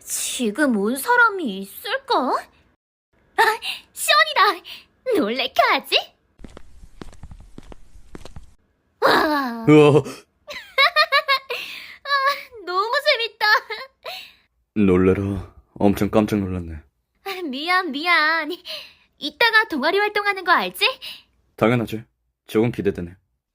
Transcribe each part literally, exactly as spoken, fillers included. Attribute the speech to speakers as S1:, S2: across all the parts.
S1: 지금 온 사람이 있을까? 아, 시원이다. 놀래켜야지. 와,
S2: 우와,
S1: 너무 재밌다.
S2: 놀래라. 엄청 깜짝 놀랐네.
S1: 미안, 미안. 이따가 동아리 활동하는 거 알지?
S2: 당연하지. 조금 기대되네.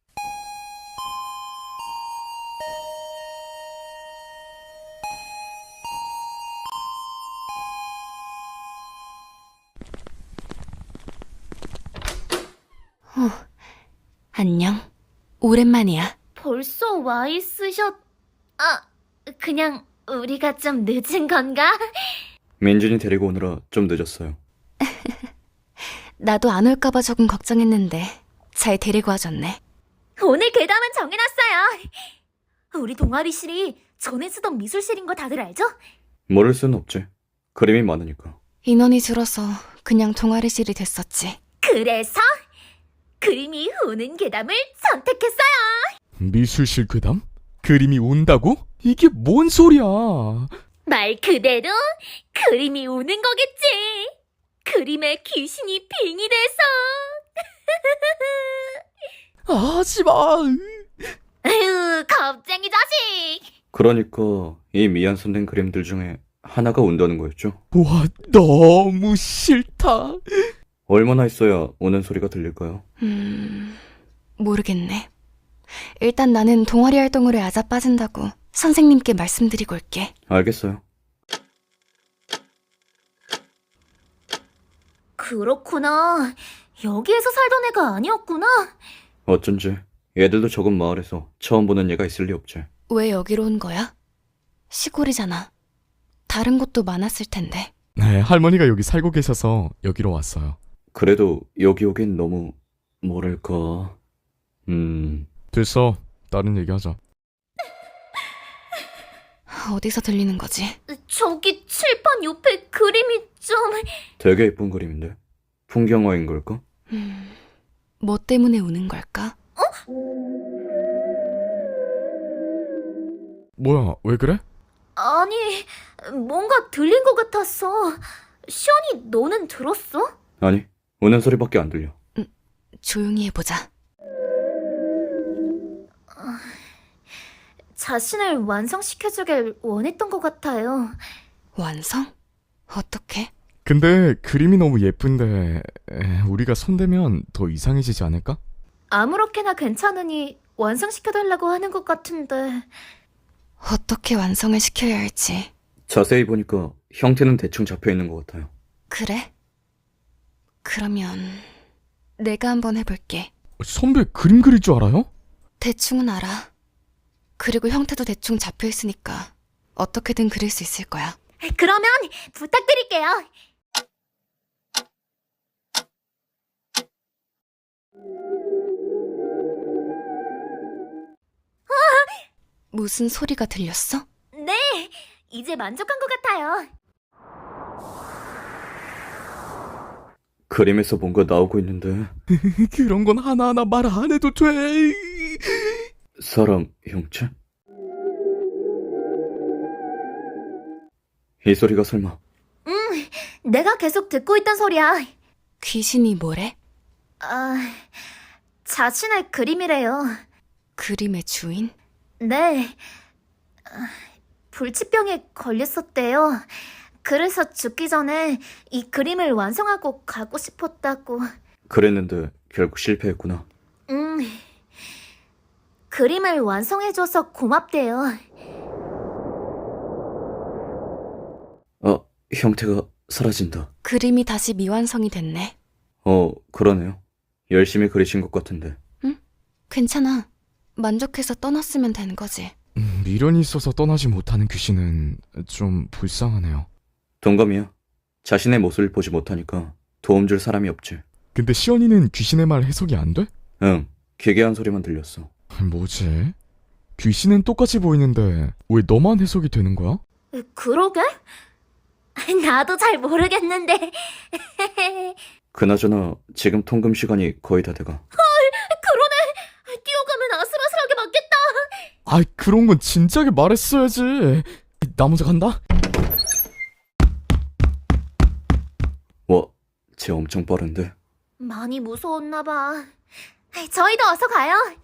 S3: 어, 안녕. 오랜만이야.
S1: 벌써 와 있으셨... 아, 그냥 우리가 좀 늦은 건가?
S2: 민준이 데리고 오느라 좀 늦었어요.
S3: 나도 안 올까봐 조금 걱정했는데 잘 데리고 와줬네.
S1: 오늘 괴담은 정해놨어요. 우리 동아리실이 전에 쓰던 미술실인 거 다들 알죠?
S2: 모를 순 없지. 그림이 많으니까.
S3: 인원이 줄어서 그냥 동아리실이 됐었지.
S1: 그래서 그림이 우는 괴담을 선택했어요.
S4: 미술실 괴담? 그림이 운다고? 이게 뭔 소리야?
S1: 말 그대로 그림이 우는 거겠지. 그림에 귀신이 빙의돼서.
S4: 하지마.
S1: 아유, 겁쟁이 자식.
S2: 그러니까 이 미완성된 그림들 중에 하나가 운다는 거였죠.
S4: 와, 너무 싫다.
S2: 얼마나 있어야 우는 소리가 들릴까요?
S3: 음... 모르겠네. 일단 나는 동아리 활동으로 야자 빠진다고 선생님께 말씀드리고 올게.
S2: 알겠어요.
S1: 그렇구나. 여기에서 살던 애가 아니었구나.
S2: 어쩐지 얘들도 적은 마을에서 처음 보는 얘가 있을 리 없지.
S3: 왜 여기로 온 거야? 시골이잖아. 다른 곳도 많았을 텐데.
S4: 네, 할머니가 여기 살고 계셔서 여기로 왔어요.
S2: 그래도 여기 오긴 너무 뭐랄까... 음...
S4: 됐어. 다른 얘기하자.
S3: 어디서 들리는 거지?
S1: 저기 칠판 옆에 그림이 좀...
S2: 되게 예쁜 그림인데? 풍경화인 걸까?
S3: 음... 뭐 때문에 우는 걸까?
S4: 뭐야, 왜 그래?
S1: 아니, 뭔가 들린 것 같았어. 시연이 너는 들었어?
S2: 아니, 우는 소리밖에 안 들려.
S3: 조용히 해보자.
S1: 자신을 완성시켜주길 원했던 것 같아요.
S3: 완성? 어떻게?
S4: 근데 그림이 너무 예쁜데 에, 우리가 손대면 더 이상해지지 않을까?
S1: 아무렇게나 괜찮으니 완성시켜달라고 하는 것 같은데.
S3: 어떻게 완성을 시켜야 할지.
S2: 자세히 보니까 형태는 대충 잡혀있는 것 같아요.
S3: 그래? 그러면 내가 한번 해볼게.
S4: 선배 그림 그릴 줄 알아요?
S3: 대충은 알아. 그리고 형태도 대충 잡혀있으니까 어떻게든 그릴 수 있을 거야.
S1: 그러면 부탁드릴게요.
S3: 무슨 소리가 들렸어?
S1: 네, 이제 만족한 것 같아요.
S2: 그림에서 뭔가 나오고 있는데
S4: 그런 건 하나하나 말 안 해도 돼.
S2: 사람 형체? 이 소리가 설마
S1: 응, 내가 계속 듣고 있던 소리야.
S3: 귀신이 뭐래?
S1: 아, 자신의 그림이래요.
S3: 그림의 주인?
S1: 네, 아, 불치병에 걸렸었대요. 그래서 죽기 전에 이 그림을 완성하고 가고 싶었다고.
S2: 그랬는데 결국 실패했구나.
S1: 음, 그림을 완성해줘서 고맙대요.
S2: 아, 형태가 사라진다.
S3: 그림이 다시 미완성이 됐네.
S2: 어, 그러네요. 열심히 그리신 것 같은데.
S3: 괜찮아. 만족해서 떠났으면 되는 거지.
S4: 음, 미련이 있어서 떠나지 못하는 귀신은 좀 불쌍하네요.
S2: 동감이야. 자신의 모습을 보지 못하니까 도움 줄 사람이 없지.
S4: 근데 시연이는 귀신의 말 해석이 안 돼?
S2: 응, 기괴한 소리만 들렸어.
S4: 뭐지? 귀신은 똑같이 보이는데 왜 너만 해석이 되는 거야?
S1: 그러게? 나도 잘 모르겠는데.
S2: 그나저나 지금 통금 시간이 거의 다 돼가.
S1: 그러네. 뛰어가면 아슬아슬하게 맞겠다.
S4: 아이, 그런 건 진작에 말했어야지. 나 먼저 간다.
S2: 와, 쟤 엄청 빠른데.
S1: 많이 무서웠나 봐. 저희도 어서 가요.